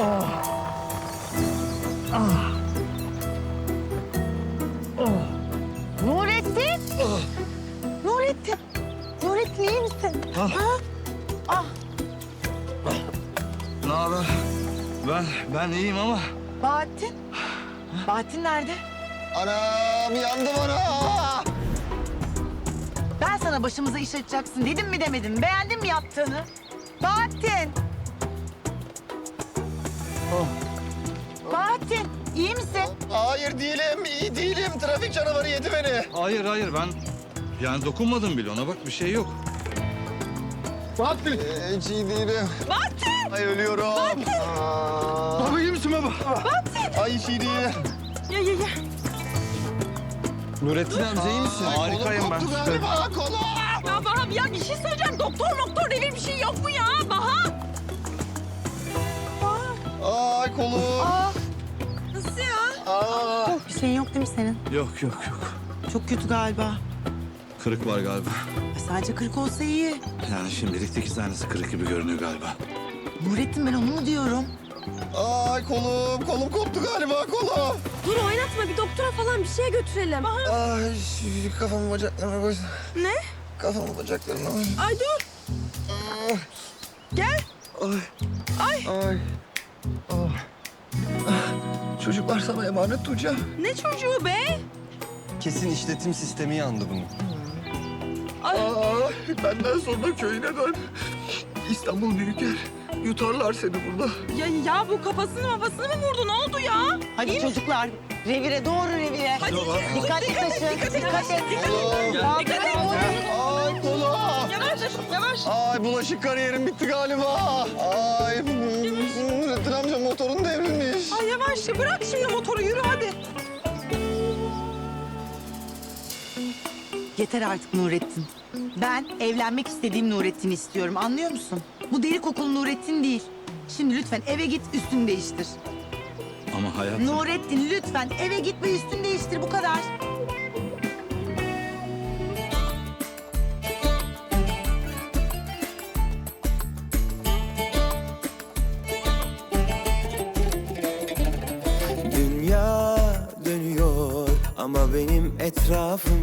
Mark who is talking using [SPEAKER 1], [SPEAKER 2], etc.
[SPEAKER 1] Nurettin! Nurettin! Nurettin iyi misin?
[SPEAKER 2] Ne haber? Ben iyiyim ama.
[SPEAKER 1] Bahattin? Bahattin nerede?
[SPEAKER 2] Anam yandım ana.
[SPEAKER 1] Ben sana başımıza iş açacaksın dedim mi demedim. Beğendin mi yaptığını? Bahattin! Bahattin iyi misin?
[SPEAKER 2] Hayır değilim, iyi değilim. Trafik canavarı yedi beni.
[SPEAKER 3] Hayır ben yani dokunmadım bile ona, bak bir şey yok.
[SPEAKER 2] Bahattin. Hiç iyi değilim.
[SPEAKER 1] Bahattin!
[SPEAKER 2] Ay ölüyorum. Bahattin.
[SPEAKER 3] Baba iyi misin baba?
[SPEAKER 2] Ay hiç iyi değilim.
[SPEAKER 1] Ya.
[SPEAKER 2] Nurettin amca iyi misin?
[SPEAKER 3] Harikayım ben.
[SPEAKER 2] Kolum koptu galiba kolum.
[SPEAKER 1] Ya Baha ya bir şey söyleyeceğim. Doktor devir bir şey yok mu ya Baha?
[SPEAKER 2] Ay kolum.
[SPEAKER 1] Nasıl ya?
[SPEAKER 2] Aa.
[SPEAKER 1] Bir şeyin yok değil mi senin?
[SPEAKER 3] Yok.
[SPEAKER 1] Çok kötü galiba.
[SPEAKER 3] Kırık var galiba.
[SPEAKER 1] Sadece kırık olsa iyi.
[SPEAKER 3] Yani şimdilik 8 tanesi kırık gibi görünüyor galiba.
[SPEAKER 1] Nurettin ben onu mu diyorum?
[SPEAKER 2] Ay kolum koptu galiba kolum.
[SPEAKER 4] Dur oynatma, bir doktora falan bir şeye götürelim.
[SPEAKER 2] Ay şu kafamı bacaklarıma koy.
[SPEAKER 4] Ne?
[SPEAKER 2] Kafamı bacaklarıma koy.
[SPEAKER 4] Ay dur.
[SPEAKER 2] Ay. Ay. Çocuklar sana emanet Tuğçe.
[SPEAKER 4] Ne çocuğu be?
[SPEAKER 5] Kesin işletim sistemi yandı bunun.
[SPEAKER 2] Benden sonra köyüne dön. İstanbul büyük yer. Yutarlar seni burada.
[SPEAKER 4] Ya bu kafasını mı vurdu? Ne oldu ya?
[SPEAKER 1] Hadi çocuklar revire doğru revire.
[SPEAKER 4] Hadi
[SPEAKER 1] Dikkatli taşın. Dikkat et.
[SPEAKER 4] Dikkat et.
[SPEAKER 2] Ay kolum.
[SPEAKER 4] Yavaş.
[SPEAKER 2] Ay bulaşık kariyerim bitti galiba. Ay Nurettin amca motorun devrilmiş.
[SPEAKER 4] Ay yavaş, bırak şimdi motoru, yürü hadi.
[SPEAKER 1] Yeter artık Nurettin. Ben evlenmek istediğim Nurettin'i istiyorum anlıyor musun? Bu deri kokulu Nurettin değil. Şimdi lütfen eve git üstünü değiştir.
[SPEAKER 3] Ama hayatım...
[SPEAKER 1] Nurettin lütfen eve git ve üstünü değiştir bu kadar.
[SPEAKER 6] Dünya dönüyor ama benim etrafım